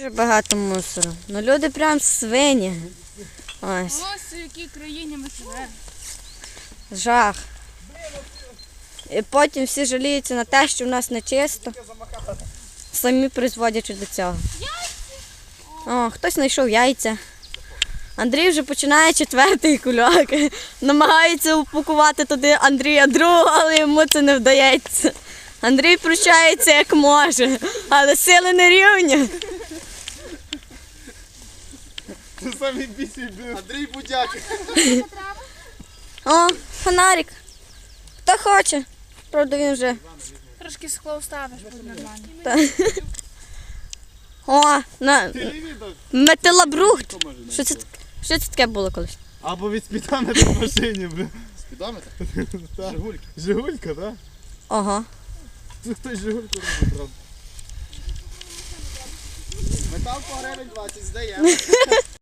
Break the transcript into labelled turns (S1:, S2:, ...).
S1: Дуже багато мусору. Ну люди прям свині. Ось.
S2: Ось у якій країні ми живемо.
S1: Жах. І потім всі жаліються на те, що в нас не чисто. Самі призводячи до цього. О, хтось знайшов яйця. Андрій вже починає 4-й кульок. Намагається упакувати туди Андрія другого, але йому це не вдається. Андрій прощається як може, але сили не рівні.
S3: Це самі бісі Андрій Будяк.
S1: О, фонарик. Хто хоче? Правда, він вже.
S2: Трошки скло вставиш, буде нормально.
S1: О, металобрухт. Що це таке було колись?
S3: Або від спідометра в машині, бля.
S4: Спідометр?
S3: Так.
S4: Жигульки.
S3: Жигулька, так?
S1: Ого.
S3: Це хтось Жигульку робить, правда.
S4: Метал по гривень 20 здає.